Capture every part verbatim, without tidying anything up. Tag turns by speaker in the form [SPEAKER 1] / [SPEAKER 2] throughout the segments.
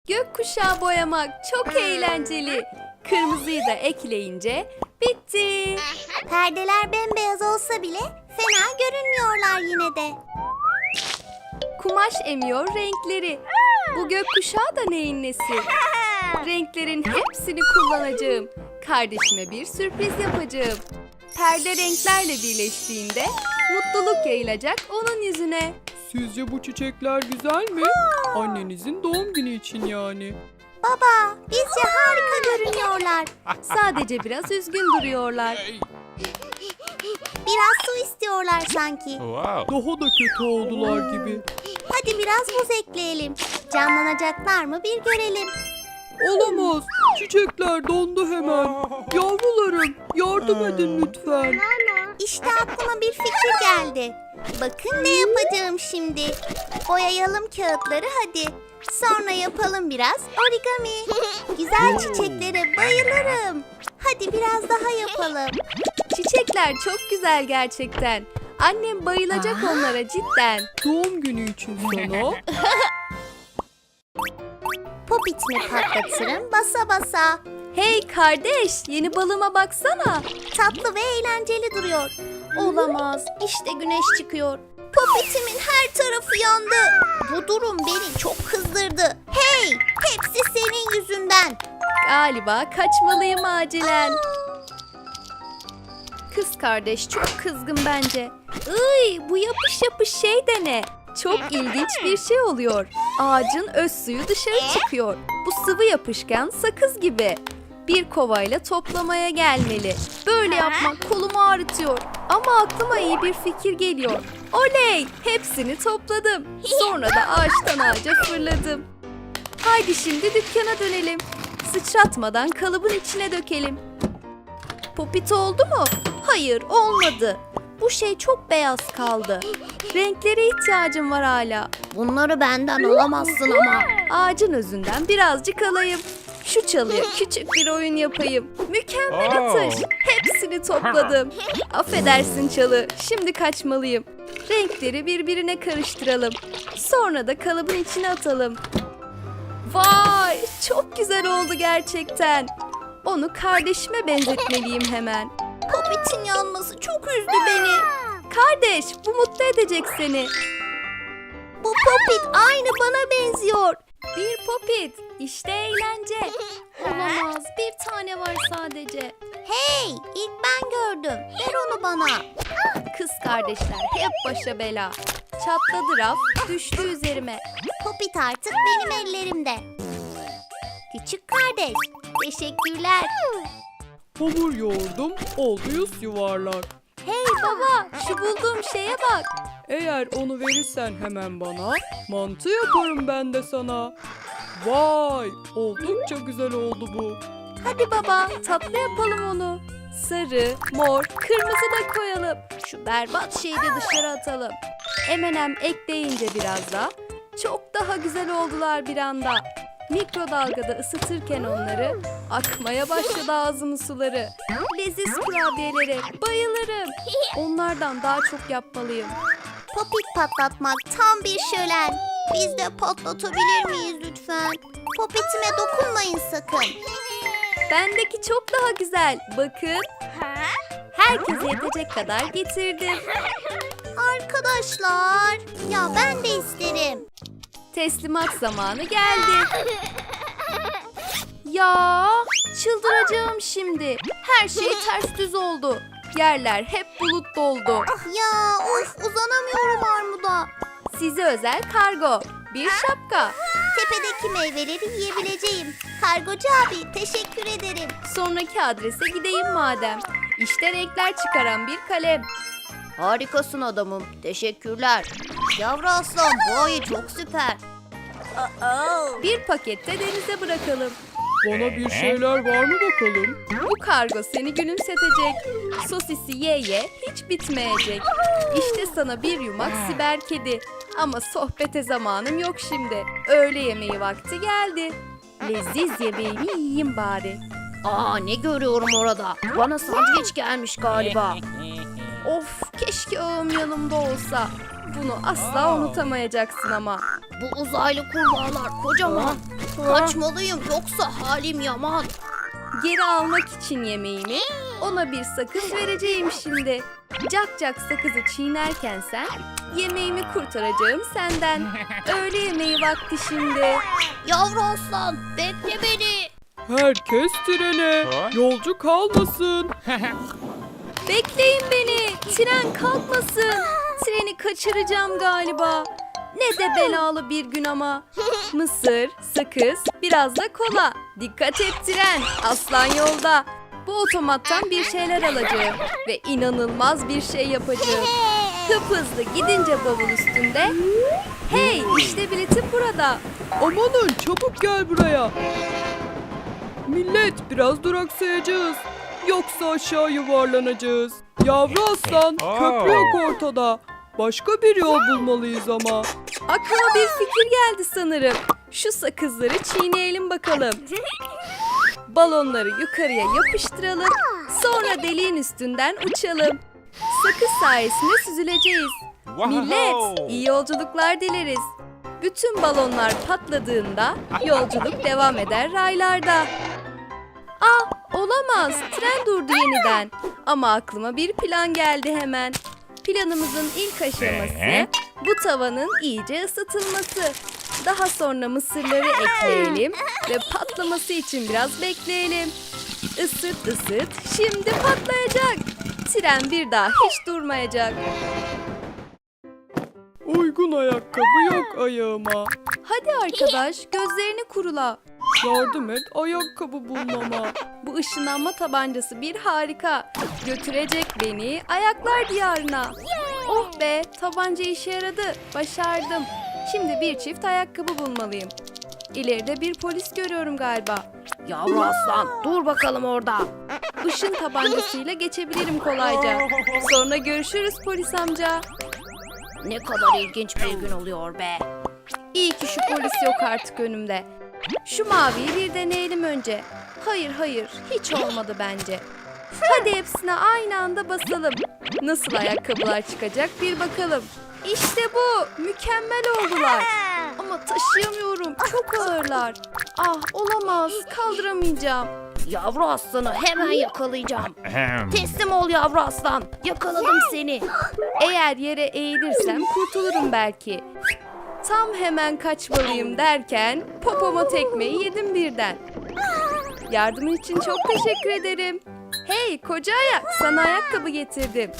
[SPEAKER 1] Gökkuşağı boyamak çok eğlenceli. Kırmızıyı da ekleyince bitti.
[SPEAKER 2] Perdeler bembeyaz olsa bile fena görünmüyorlar yine de.
[SPEAKER 1] Kumaş emiyor renkleri. Bu gökkuşağı da neyin nesi? Renklerin hepsini kullanacağım. Kardeşime bir sürpriz yapacağım. Perde renklerle birleştiğinde mutluluk yayılacak onun yüzüne.
[SPEAKER 3] Sizce bu çiçekler güzel mi? Annenizin doğum günü için yani.
[SPEAKER 2] Baba, bizce harika görünüyorlar.
[SPEAKER 1] Sadece biraz üzgün duruyorlar.
[SPEAKER 2] Biraz su istiyorlar sanki.
[SPEAKER 4] Wow.
[SPEAKER 3] Daha da kötü oldular gibi.
[SPEAKER 2] Hadi biraz buz ekleyelim. Canlanacaklar mı bir görelim.
[SPEAKER 3] Olamaz. Çiçekler dondu hemen. Yavrularım, yardım edin lütfen.
[SPEAKER 2] İşte aklıma bir fikir geldi. Bakın ne yapacağım şimdi. Boyayalım kağıtları hadi. Sonra yapalım biraz origami. Güzel çiçeklere bayılırım. Hadi biraz daha yapalım.
[SPEAKER 1] Çiçekler çok güzel gerçekten. Annem bayılacak onlara cidden.
[SPEAKER 3] Doğum günü için sana.
[SPEAKER 2] Popitimi patlatırım basa basa.
[SPEAKER 1] Hey kardeş, yeni balıma baksana.
[SPEAKER 2] Tatlı ve eğlenceli duruyor. Olamaz. İşte güneş çıkıyor. Popitimin her tarafı yandı. Bu durum beni çok kızdırdı. Hey! Hepsi senin yüzünden.
[SPEAKER 1] Galiba kaçmalıyım acilen. Kız kardeş çok kızgın bence. Iy, bu yapış yapış şey de ne? Çok ilginç bir şey oluyor. Ağacın öz suyu dışarı çıkıyor. Bu sıvı yapışkan sakız gibi. Bir kovayla toplamaya gelmeli. Böyle yapmak kolumu ağrıtıyor. Ama aklıma iyi bir fikir geliyor. Oley! Hepsini topladım. Sonra da ağaçtan ağaca fırladım. Haydi şimdi dükkana dönelim. Sıçratmadan kalıbın içine dökelim. Popit oldu mu? Hayır, olmadı. Bu şey çok beyaz kaldı. Renklere ihtiyacım var hala.
[SPEAKER 2] Bunları benden alamazsın ama.
[SPEAKER 1] Ağacın özünden birazcık alayım. Şu çalıya küçük bir oyun yapayım. Mükemmel
[SPEAKER 4] Oh.
[SPEAKER 1] atış. Hepsini topladım. Affedersin çalı. Şimdi kaçmalıyım. Renkleri birbirine karıştıralım. Sonra da kalıbın içine atalım. Vay! Çok güzel oldu gerçekten. Onu kardeşime benzetmeliyim hemen.
[SPEAKER 2] Popitin yanması çok üzdü beni.
[SPEAKER 1] Kardeş, bu mutlu edecek seni.
[SPEAKER 2] Bu popit aynı bana benziyor.
[SPEAKER 1] Bir popit. İşte eğlence. Olamaz. Bir tane var sadece.
[SPEAKER 2] Hey, ilk ben gördüm. Ver onu bana.
[SPEAKER 1] Kız kardeşler hep başa bela. Çatladı raf, düştü üzerime.
[SPEAKER 2] Popit artık benim ellerimde. Küçük kardeş, teşekkürler.
[SPEAKER 3] Hamur yoğurdum, oldu yüz yuvarlak.
[SPEAKER 1] Hey baba, şu bulduğum şeye bak.
[SPEAKER 3] Eğer onu verirsen hemen bana, mantı yaparım ben de sana. Vay, oldukça güzel oldu bu.
[SPEAKER 1] Hadi baba, tatlı yapalım onu. Sarı, mor, kırmızı da koyalım. Şu berbat şeyi de dışarı atalım. M and M ekleyince biraz da çok daha güzel oldular bir anda. Mikrodalgada ısıtırken onları akmaya başladı ağzımın suları. Leziz kurabiyelere bayılırım. Onlardan daha çok yapmalıyım.
[SPEAKER 2] Popit patlatmak tam bir şölen. Biz de patlatabilir miyiz lütfen? Popitime dokunmayın sakın.
[SPEAKER 1] Bendeki çok daha güzel. Bakın. Herkese yetecek kadar getirdim.
[SPEAKER 2] Arkadaşlar, ya ben de isterim.
[SPEAKER 1] Teslimat zamanı geldi. Ya çıldıracağım şimdi. Her şey ters düz oldu. Yerler hep bulut doldu.
[SPEAKER 2] Ya of uzanamıyorum armuda.
[SPEAKER 1] Size özel kargo. Bir şapka.
[SPEAKER 2] Tepedeki meyveleri yiyebileceğim. Kargocu abi teşekkür ederim.
[SPEAKER 1] Sonraki adrese gideyim madem. İşte renkler çıkaran bir kalem.
[SPEAKER 2] Harikasın adamım. Teşekkürler. Yavru aslan bu ayı çok süper.
[SPEAKER 1] Bir pakette denize bırakalım.
[SPEAKER 3] Bana bir şeyler var mı bakalım?
[SPEAKER 1] Bu kargo seni gülümsetecek. Sosisi ye ye hiç bitmeyecek. İşte sana bir yumak siber kedi. Ama sohbete zamanım yok şimdi. Öğle yemeği vakti geldi. Leziz yemeğimi yiyeyim bari.
[SPEAKER 2] Aa ne görüyorum orada? Bana sandviç gelmiş galiba.
[SPEAKER 1] Of keşke ağım yanımda olsa. Bunu asla unutamayacaksın ama.
[SPEAKER 2] Bu uzaylı kurbağalar kocaman. Kaçmalıyım yoksa halim yaman.
[SPEAKER 1] Geri almak için yemeğimi ona bir sakız vereceğim şimdi. Cak cak sakızı çiğnerken sen, yemeğimi kurtaracağım senden. Öğle yemeği vakti şimdi.
[SPEAKER 2] Yavru aslan bekle beni.
[SPEAKER 3] Herkes trene. Yolcu kalmasın.
[SPEAKER 1] Bekleyin beni, tren kalkmasın. Treni kaçıracağım galiba. Ne de belalı bir gün ama. Mısır, sakız, biraz da kola. Dikkat et tren, aslan yolda. Bu otomattan bir şeyler alacağım ve inanılmaz bir şey yapacağım. Hıphızlı gidince bavul üstünde. Hey, işte biletim burada.
[SPEAKER 3] Amanın çabuk gel buraya. Millet biraz duraksayacağız. Yoksa aşağı yuvarlanacağız. Yavru aslan köprü yok ortada. Başka bir yol bulmalıyız ama.
[SPEAKER 1] Aklıma bir fikir geldi sanırım. Şu sakızları çiğneyelim bakalım. Balonları yukarıya yapıştıralım. Sonra deliğin üstünden uçalım. Sakız sayesinde süzüleceğiz. Millet, iyi yolculuklar dileriz. Bütün balonlar patladığında yolculuk devam eder raylarda. Ah, olamaz. Tren durdu yeniden. Ama aklıma bir plan geldi hemen. Planımızın ilk aşaması bu tavanın iyice ısıtılması. Daha sonra mısırları ekleyelim ve patlaması için biraz bekleyelim. Isıt ısıt, şimdi patlayacak. Tren bir daha hiç durmayacak.
[SPEAKER 3] Uygun ayakkabı yok ayağıma.
[SPEAKER 1] Hadi arkadaş, gözlerini kurula.
[SPEAKER 3] Yardım et ayakkabı bulmama.
[SPEAKER 1] Bu ışınlanma tabancası bir harika. Götürecek beni ayaklar diyarına. Oh be, tabanca işe yaradı. Başardım. Şimdi bir çift ayakkabı bulmalıyım. İleride bir polis görüyorum galiba.
[SPEAKER 2] Yavru aslan dur bakalım orada.
[SPEAKER 1] Işın tabancasıyla geçebilirim kolayca. Sonra görüşürüz polis amca.
[SPEAKER 2] Ne kadar ilginç bir gün oluyor be.
[SPEAKER 1] İyi ki şu polis yok artık önümde. Şu maviyi bir deneyelim önce. Hayır hayır, hiç olmadı bence. Hadi hepsine aynı anda basalım. Nasıl ayakkabılar çıkacak bir bakalım. İşte bu, mükemmel oldular. Ama taşıyamıyorum, çok ağırlar. Ah, olamaz, kaldıramayacağım.
[SPEAKER 2] Yavru aslanı hemen yakalayacağım. Teslim ol yavru aslan. Yakaladım seni.
[SPEAKER 1] Eğer yere eğilirsem kurtulurum belki. Tam hemen kaçmalıyım derken popoma tekmeyi yedim birden. Yardımın için çok teşekkür ederim. Hey koca ayak, sana ayakkabı getirdim.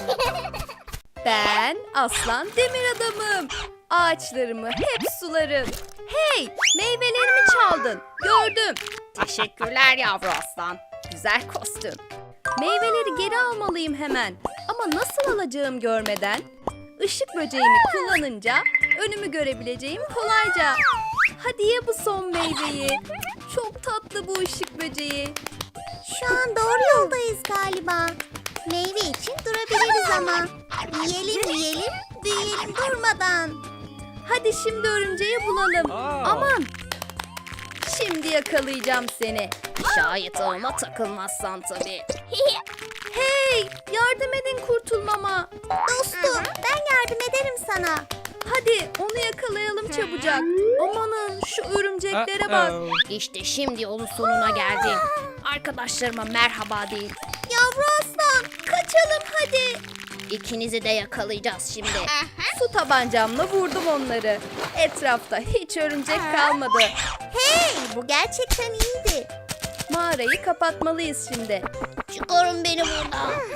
[SPEAKER 1] Ben aslan demir adamım. Ağaçlarımı hep sularım. Hey, meyvelerimi çaldın. Gördüm.
[SPEAKER 2] Teşekkürler yavru aslan.
[SPEAKER 1] Güzel kostüm. Meyveleri geri almalıyım hemen. Ama nasıl alacağım görmeden? Işık böceğimi kullanınca önümü görebileceğim kolayca. Hadi ye bu son meyveyi. Çok tatlı bu ışık böceği.
[SPEAKER 2] Şu an doğru yoldayız galiba. Meyve için durabiliriz ama. Yiyelim yiyelim, büyüyelim durmadan.
[SPEAKER 1] Hadi şimdi örümceği bulalım. Aman! Şimdi yakalayacağım seni.
[SPEAKER 2] Şayet ağıma takılmazsan tabii.
[SPEAKER 1] Hey! Yardım edin kurtulmama.
[SPEAKER 2] Dostum ben yardım ederim sana.
[SPEAKER 1] Hadi onu yakalayalım çabucak. Amanın şu örümceklere bak.
[SPEAKER 2] İşte şimdi yolun sonuna geldim. Arkadaşlarıma merhaba deyin. Yavru aslan kaçalım hadi. İkinizi de yakalayacağız şimdi.
[SPEAKER 1] Su tabancamla vurdum onları. Etrafta hiç örümcek kalmadı.
[SPEAKER 2] Hey bu gerçekten iyiydi.
[SPEAKER 1] Mağarayı kapatmalıyız şimdi.
[SPEAKER 2] Çıkarın beni buradan.